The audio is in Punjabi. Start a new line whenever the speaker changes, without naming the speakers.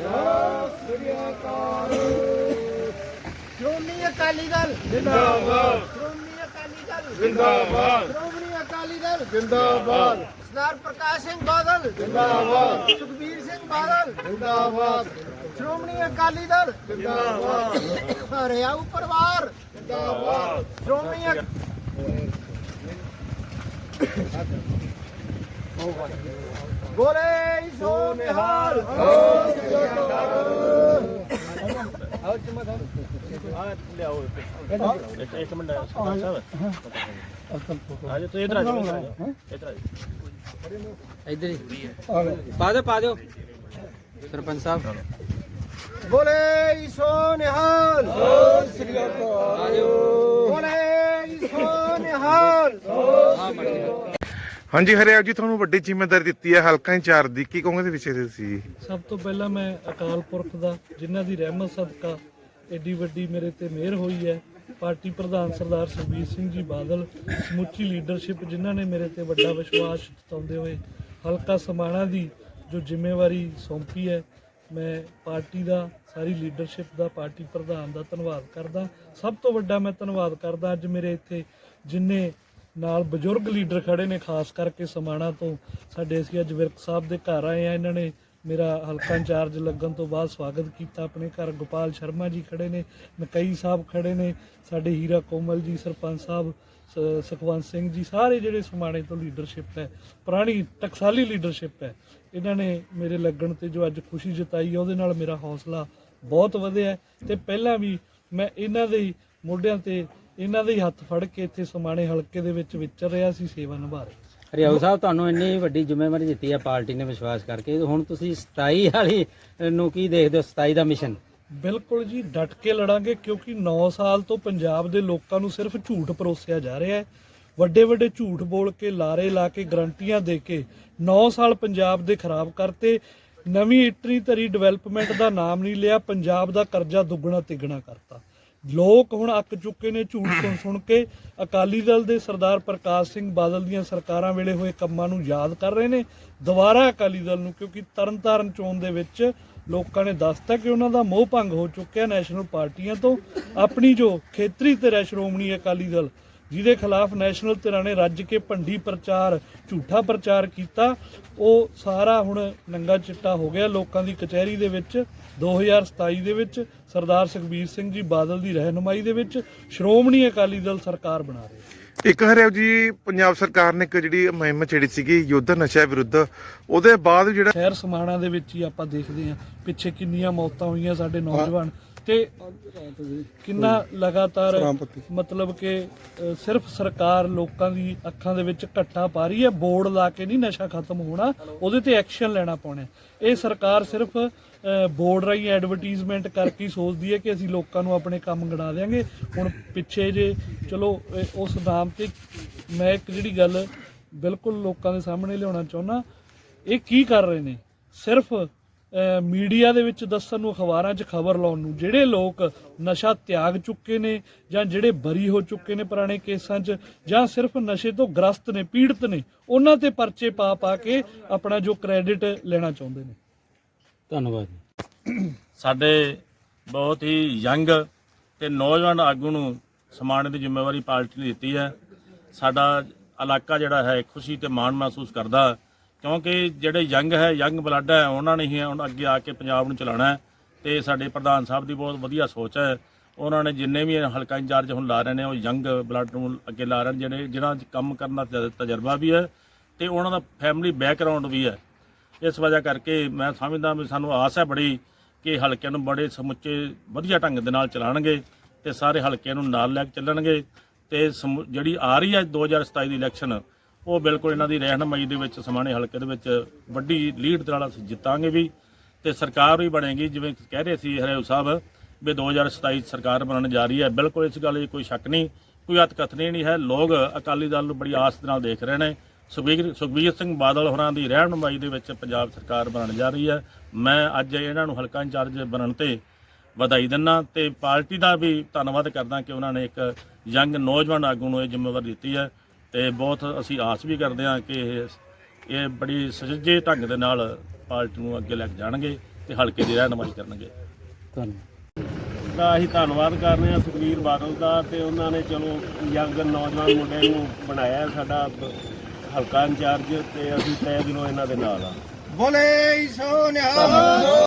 ਸ਼੍ਰੋਮਣੀ ਅਕਾਲੀ ਦਲ ਜਿੰਦਾਬਾਦ। ਸ਼੍ਰੋਮਣੀ ਅਕਾਲੀ ਦਲ ਜਿੰਦਾਬਾਦ। ਸ਼੍ਰੋਮਣੀ ਅਕਾਲੀ ਦਲ ਜਿੰਦਾਬਾਦ। ਸਰਦਾਰ ਪ੍ਰਕਾਸ਼ ਸਿੰਘ ਬਾਦਲ ਜਿੰਦਾਬਾਦ। ਸੁਖਬੀਰ ਸਿੰਘ ਬਾਦਲ ਜਿੰਦਾਬਾਦ। ਸ਼੍ਰੋਮਣੀ ਅਕਾਲੀ ਦਲ ਜਿੰਦਾਬਾਦ। ਹਰਿਆਊ ਪਰਿਵਾਰ ਜਿੰਦਾਬਾਦ। ਸ਼੍ਰੋਮਣੀ ਬੋਲੇ ਸੋ ਨਿਹਾਲ।
एक मिनट आज तो इधर
इधर ही पा दो सरपंच साहब।
ਬੋਲੇ ਸੋ ਨਿਹਾਲ। ਬੋਲੇ ਸੋ ਨਿਹਾਲ।
ਹਾਂਜੀ ਹਰਿਆਵ ਜੀ, ਤੁਹਾਨੂੰ ਵੱਡੀ ਜ਼ਿੰਮੇਵਾਰੀ ਦਿੱਤੀ ਹੈ ਹਲਕਾ ਇੰਚਾਰਜ ਦੀ, ਕੀ ਕਹੋਗੇ ਦੇ ਵਿਸ਼ੇ ਤੇ ਤੁਸੀਂ?
ਸਭ ਤੋਂ ਪਹਿਲਾਂ ਮੈਂ ਅਕਾਲ ਪੁਰਖ ਦਾ, ਜਿਨ੍ਹਾਂ ਦੀ ਰਹਿਮਤ ਸਦਕਾ ਏਡੀ ਵੱਡੀ ਮੇਰੇ ਤੇ ਮਿਹਰ ਹੋਈ ਹੈ, ਪਾਰਟੀ ਪ੍ਰਧਾਨ ਸਰਦਾਰ ਸੁਖਬੀਰ ਸਿੰਘ ਜੀ ਬਾਦਲ, ਸਮੁੱਚੀ ਲੀਡਰਸ਼ਿਪ ਜਿਨ੍ਹਾਂ ਨੇ ਮੇਰੇ ਤੇ ਵੱਡਾ ਵਿਸ਼ਵਾਸ ਜਤਾਉਂਦੇ ਹੋਏ ਹਲਕਾ ਸਮਾਣਾ ਦੀ ਜੋ ਜ਼ਿੰਮੇਵਾਰੀ ਸੌਂਪੀ ਹੈ, ਮੈਂ ਪਾਰਟੀ ਦਾ, ਸਾਰੀ ਲੀਡਰਸ਼ਿਪ ਦਾ, ਪਾਰਟੀ ਪ੍ਰਧਾਨ ਦਾ ਧੰਨਵਾਦ ਕਰਦਾ। ਸਭ ਤੋਂ ਵੱਡਾ ਮੈਂ ਧੰਨਵਾਦ ਕਰਦਾ ਅੱਜ ਮੇਰੇ ਇੱਥੇ ਜਿੰਨੇ ਨਾਲ ਬਜ਼ੁਰਗ ਲੀਡਰ ਖੜੇ ਨੇ, ਖਾਸ ਕਰਕੇ ਸਮਾਣਾ ਤੋਂ ਸਾਡੇ ਅਸੀਂ ਅੱਜ ਵਿਰਕ ਸਾਹਿਬ ਦੇ ਘਰ ਆਏ ਆ। ਇਹਨਾਂ ਨੇ ਮੇਰਾ ਹਲਕਾ ਇੰਚਾਰਜ ਲੱਗਣ ਤੋਂ ਬਾਅਦ ਸਵਾਗਤ ਕੀਤਾ ਆਪਣੇ ਘਰ। ਗੋਪਾਲ ਸ਼ਰਮਾ ਜੀ ਖੜੇ ਨੇ, ਮਕਈ ਸਾਹਿਬ ਖੜੇ ਨੇ, ਸਾਡੇ ਹੀਰਾ ਕੋਮਲ ਜੀ, ਸਰਪੰਚ ਸਾਹਿਬ ਸੁਖਵੰਤ ਸਿੰਘ ਜੀ, ਸਾਰੇ ਜਿਹੜੇ ਸਮਾਣੇ ਤੋਂ ਲੀਡਰਸ਼ਿਪ ਹੈ, ਪੁਰਾਣੀ ਟਕਸਾਲੀ ਲੀਡਰਸ਼ਿਪ ਹੈ, ਇਹਨਾਂ ਨੇ ਮੇਰੇ ਲੱਗਣ ਤੇ ਜੋ ਅੱਜ ਖੁਸ਼ੀ ਜਤਾਈ ਹੈ, ਉਹਦੇ ਨਾਲ ਮੇਰਾ ਹੌਸਲਾ ਬਹੁਤ ਵਧਿਆ। ਤੇ ਪਹਿਲਾਂ ਵੀ ਮੈਂ ਇਹਨਾਂ ਦੇ ਮੋਢਿਆਂ ਤੇ ਇਹਨਾਂ ਦੇ ਹੱਥ ਫੜ ਕੇ ਇੱਥੇ ਸਮਾਣੇ ਹਲਕੇ ਦੇ ਵਿੱਚ ਵਿਚਰ ਰਿਹਾ ਸੀ, ਸੇਵਾ ਨਿਭਾ ਰਿਹਾ।
ਹਰਿਆਊ ਸਾਹਿਬ, ਤੁਹਾਨੂੰ ਇੰਨੀ ਵੱਡੀ ਜ਼ਿੰਮੇਵਾਰੀ ਦਿੱਤੀ ਹੈ ਪਾਰਟੀ ਨੇ ਵਿਸ਼ਵਾਸ ਕਰਕੇ, ਹੁਣ ਤੁਸੀਂ 27 ਵਾਲੀ ਨੂੰ ਕੀ ਦੇਖਦੇ ਹੋ? 27 ਦਾ ਮਿਸ਼ਨ?
ਬਿਲਕੁਲ ਜੀ, ਡਟ ਕੇ ਲੜਾਂਗੇ, ਕਿਉਂਕਿ 9 ਸਾਲ ਤੋਂ ਪੰਜਾਬ ਦੇ ਲੋਕਾਂ ਨੂੰ ਸਿਰਫ ਝੂਠ ਪਰੋਸਿਆ ਜਾ ਰਿਹਾ ਹੈ। ਵੱਡੇ ਵੱਡੇ ਝੂਠ ਬੋਲ ਕੇ, ਲਾਰੇ ਲਾ ਕੇ, ਗਰੰਟੀਆਂ ਦੇ ਕੇ 9 ਸਾਲ ਪੰਜਾਬ ਦੇ ਖਰਾਬ ਕਰਤੇ। ਨਵੀਂ ਇਟਰੀ ਧਰੀ, ਡਿਵੈਲਪਮੈਂਟ ਦਾ ਨਾਮ ਨਹੀਂ ਲਿਆ, ਪੰਜਾਬ ਦਾ ਕਰਜ਼ਾ ਦੁੱਗਣਾ ਤਿੱਗਣਾ ਕਰਤਾ। ਲੋਕ ਹੁਣ ਅੱਕ ਚੁੱਕੇ ਨੇ ਝੂਠ ਸੁਣ ਕੇ। ਅਕਾਲੀ ਦਲ ਦੇ ਸਰਦਾਰ ਪ੍ਰਕਾਸ਼ ਸਿੰਘ ਬਾਦਲ ਦੀਆਂ ਸਰਕਾਰਾਂ ਵੇਲੇ ਹੋਏ ਕੰਮਾਂ ਨੂੰ ਯਾਦ ਕਰ ਰਹੇ ਨੇ ਦੁਬਾਰਾ ਅਕਾਲੀ ਦਲ ਨੂੰ, ਕਿਉਂਕਿ ਤਰਨਤਾਰਨ ਚੋਣ ਦੇ ਵਿੱਚ ਲੋਕਾਂ ਨੇ ਦੱਸਤਾ ਕਿ ਉਹਨਾਂ ਦਾ ਮੋਹ ਭੰਗ ਹੋ ਚੁੱਕਿਆ ਨੈਸ਼ਨਲ ਪਾਰਟੀਆਂ ਤੋਂ। ਆਪਣੀ ਜੋ ਖੇਤਰੀ ਧਿਰ ਹੈ ਸ਼੍ਰੋਮਣੀ ਅਕਾਲੀ ਦਲ, ਜਿਹਦੇ ਖਿਲਾਫ ਨੈਸ਼ਨਲ ਧਿਰਾਂ ਨੇ ਰੱਜ ਕੇ ਭੰਡੀ ਪ੍ਰਚਾਰ, ਝੂਠਾ ਪ੍ਰਚਾਰ ਕੀਤਾ, ਉਹ ਸਾਰਾ ਹੁਣ ਨੰਗਾ ਚਿੱਟਾ ਹੋ ਗਿਆ ਲੋਕਾਂ ਦੀ ਕਚਹਿਰੀ ਦੇ ਵਿੱਚ। 2027 ਦੇ ਵਿੱਚ ਸਰਦਾਰ ਸੁਖਬੀਰ ਸਿੰਘ ਜੀ ਬਾਦਲ ਦੀ ਰਹਿਨੁਮਾਈ ਦੇ ਵਿੱਚ ਸ਼੍ਰੋਮਣੀ ਅਕਾਲੀ ਦਲ ਸਰਕਾਰ ਬਣਾ ਰਹੀ।
ਇੱਕ ਹਰਿਆਵ ਜੀ, ਪੰਜਾਬ ਸਰਕਾਰ ਨੇ ਇੱਕ ਜਿਹੜੀ ਮੁਹਿੰਮ ਛੇੜੀ ਸੀਗੀ ਯੁੱਧ ਨਸ਼ਾ ਵਿਰੁੱਧ, ਉਹਦੇ ਬਾਅਦ ਜਿਹੜਾ
ਸ਼ਹਿਰ ਸਮਾਣਾ ਦੇ ਵਿੱਚ ਹੀ ਆਪਾਂ ਦੇਖਦੇ ਹਾਂ ਪਿੱਛੇ ਕਿੰਨੀਆਂ ਮੌਤਾਂ ਹੋਈਆਂ ਸਾਡੇ ਨੌਜਵਾਨ ਤੇ ਕਿੰਨਾ ਲਗਾਤਾਰ ਮਤਲਬ ਕਿ ਸਿਰਫ ਸਰਕਾਰ ਲੋਕਾਂ ਦੀ ਅੱਖਾਂ ਦੇ ਵਿੱਚ ਘੱਟਾ ਪਾ ਰਹੀ ਹੈ। ਬੋਰਡ ਲਾ ਕੇ ਨਹੀਂ ਨਸ਼ਾ ਖਤਮ ਹੋਣਾ, ਉਹਦੇ ਤੇ ਐਕਸ਼ਨ ਲੈਣਾ ਪਾਉਣਾ। ਇਹ ਸਰਕਾਰ ਸਿਰਫ ਬੋਰਡ ਰਾਹੀਂ ਐਡਵਰਟੀਜ਼ਮੈਂਟ ਕਰਕੇ ਹੀ ਸੋਚਦੀ ਹੈ ਕਿ ਅਸੀਂ ਲੋਕਾਂ ਨੂੰ ਆਪਣੇ ਕੰਮ ਗਣਾ ਦਿਆਂਗੇ। ਹੁਣ ਪਿੱਛੇ ਜੇ ਚਲੋ ਉਸ ਨਾਮ ਤੇ ਮੈਂ ਇੱਕ ਜਿਹੜੀ ਗੱਲ ਬਿਲਕੁਲ ਲੋਕਾਂ ਦੇ ਸਾਹਮਣੇ ਲਿਆਉਣਾ ਚਾਹੁੰਦਾ, ਇਹ ਕੀ ਕਰ ਰਹੇ ਨੇ? ਸਿਰਫ ਮੀਡੀਆ ਦੇ ਵਿੱਚ ਦੱਸਣ ਨੂੰ, ਅਖਬਾਰਾਂ 'ਚ ਖਬਰ ਲਾਉਣ ਨੂੰ। ਜਿਹੜੇ ਲੋਕ ਨਸ਼ਾ ਤਿਆਗ ਚੁੱਕੇ ਨੇ ਜਾਂ ਜਿਹੜੇ ਬਰੀ ਹੋ ਚੁੱਕੇ ਨੇ ਪੁਰਾਣੇ ਕੇਸਾਂ 'ਚ, ਜਾਂ ਸਿਰਫ ਨਸ਼ੇ ਤੋਂ ਗ੍ਰਸਤ ਨੇ, ਪੀੜਤ ਨੇ, ਉਹਨਾਂ ਤੇ ਪਰਚੇ ਪਾ ਕੇ ਆਪਣਾ ਜੋ ਕ੍ਰੈਡਿਟ ਲੈਣਾ ਚਾਹੁੰਦੇ ਨੇ।
ਧੰਨਵਾਦ।
ਸਾਡੇ ਬਹੁਤ ਹੀ ਯੰਗ ਤੇ ਨੌਜਵਾਨ ਆਗੂ ਨੂੰ ਸਮਾਣੇ ਦੀ ਜ਼ਿੰਮੇਵਾਰੀ ਪਾਰਟੀ ਨੇ ਦਿੱਤੀ ਹੈ। ਸਾਡਾ ਇਲਾਕਾ ਜਿਹੜਾ ਹੈ ਖੁਸ਼ੀ ਤੇ ਮਾਣ ਮਹਿਸੂਸ ਕਰਦਾ, ਕਿਉਂਕਿ ਜਿਹੜੇ ਯੰਗ ਬਲੱਡ ਹੈ, ਉਹਨਾਂ ਨੇ ਹੀ ਹੁਣ ਅੱਗੇ ਆ ਕੇ ਪੰਜਾਬ ਨੂੰ ਚਲਾਉਣਾ ਹੈ। ਤੇ ਸਾਡੇ ਪ੍ਰਧਾਨ ਸਾਹਿਬ ਦੀ ਬਹੁਤ ਵਧੀਆ ਸੋਚ ਹੈ। ਉਹਨਾਂ ਨੇ ਜਿੰਨੇ ਵੀ ਹਲਕਾ ਇੰਚਾਰਜ ਹੁਣ ਲਾ ਰਹੇ ਨੇ, ਉਹ ਯੰਗ ਬਲੱਡ ਨੂੰ ਅੱਗੇ ਲਾ ਰਹੇ ਨੇ, ਜਿਹਨਾਂ 'ਚ ਕੰਮ ਕਰਨ ਦਾ ਤਜਰਬਾ ਵੀ ਹੈ ਤੇ ਉਹਨਾਂ ਦਾ ਫੈਮਿਲੀ ਬੈਕਗਰਾਉਂਡ ਵੀ ਹੈ। ਇਸ ਵਜ੍ਹਾ ਕਰਕੇ ਮੈਂ ਸਮਝਦਾ ਵੀ ਸਾਨੂੰ ਆਸ ਹੈ ਬੜੀ ਕਿ ਹਲਕਿਆਂ ਨੂੰ ਬੜੇ ਸਮੁੱਚੇ ਵਧੀਆ ਢੰਗ ਦੇ ਨਾਲ ਚਲਾਉਣਗੇ ਤੇ ਸਾਰੇ ਹਲਕਿਆਂ ਨੂੰ ਨਾਲ ਲੈ ਕੇ ਚੱਲਣਗੇ। ਤੇ ਜਿਹੜੀ ਆ ਰਹੀ ਹੈ 2027 ਦੀ ਇਲੈਕਸ਼ਨ, ਉਹ ਬਿਲਕੁਲ ਇਹਨਾਂ ਦੀ ਰਹਿਨੁਮਾਈ ਦੇ ਵਿੱਚ ਸਮਾਣੇ ਹਲਕੇ ਦੇ ਵਿੱਚ ਵੱਡੀ ਲੀਡ ਦੇ ਨਾਲ ਅਸੀਂ ਜਿੱਤਾਂਗੇ ਵੀ ਤੇ ਸਰਕਾਰ ਵੀ ਬਣੇਗੀ। ਜਿਵੇਂ ਕਹਿ ਰਹੇ ਸੀ ਹਰਿਆਊ ਸਾਹਿਬ ਵੀ 2027 ਸਰਕਾਰ ਬਣਨ ਜਾ ਰਹੀ ਹੈ, ਬਿਲਕੁਲ ਇਸ ਗੱਲ 'ਚ ਕੋਈ ਸ਼ੱਕ ਨਹੀਂ, ਕੋਈ ਅਤਕਥਨੀ ਨਹੀਂ ਹੈ। ਲੋਕ ਅਕਾਲੀ ਦਲ ਨੂੰ ਬੜੀ ਆਸ ਦੇ ਨਾਲ ਦੇਖ ਰਹੇ ਨੇ। ਸੁਖਬੀਰ ਸਿੰਘ ਬਾਦਲ ਹੋਰਾਂ ਦੀ ਰਹਿਨੁਮਾਈ ਦੇ ਵਿੱਚ ਪੰਜਾਬ ਸਰਕਾਰ ਬਣਨ ਜਾ ਰਹੀ ਹੈ। ਮੈਂ ਅੱਜ ਇਹਨਾਂ ਨੂੰ ਹਲਕਾ ਇੰਚਾਰਜ ਬਣਨ ਤੇ ਵਧਾਈ ਦਿੰਦਾ ਤੇ ਪਾਰਟੀ ਦਾ ਵੀ ਧੰਨਵਾਦ ਕਰਦਾ ਕਿ ਉਹਨਾਂ ਨੇ ਇੱਕ ਯੰਗ ਨੌਜਵਾਨ ਆਗੂ ਨੂੰ ਇਹ ਜ਼ਿੰਮੇਵਾਰੀ ਦਿੱਤੀ ਹੈ। ਤੇ ਬਹੁਤ ਅਸੀਂ ਆਸ ਵੀ ਕਰਦੇ ਹਾਂ ਕਿ ਇਹ ਬੜੀ ਸੁਚੱਜੇ ਢੰਗ ਦੇ ਨਾਲ ਪਾਰਟੀ ਨੂੰ ਅੱਗੇ ਲੈ ਕੇ ਜਾਣਗੇ ਤੇ ਹਲਕੇ ਦੀ ਰਹਿਨੁਮਾਈ ਕਰਨਗੇ।
ਧੰਨਵਾਦ।
ਦਾ ਅਸੀਂ ਧੰਨਵਾਦ ਕਰ ਰਹੇ ਹਾਂ ਸੁਖਬੀਰ ਬਾਦਲ ਦਾ, ਤੇ ਉਹਨਾਂ ਨੇ ਚਲੋ ਯੰਗ ਨੌਜਵਾਨ ਮੁੰਡੇ ਨੂੰ ਬਣਾਇਆ ਸਾਡਾ ਹਲਕਾ ਇੰਚਾਰਜ, ਤੇ ਅਸੀਂ ਤਹਿ ਦਿਲੋਂ ਇਹਨਾਂ ਦੇ ਨਾਲ ਆ।
ਬੋਲੇ ਸੋ ਨਿਹਾਲ।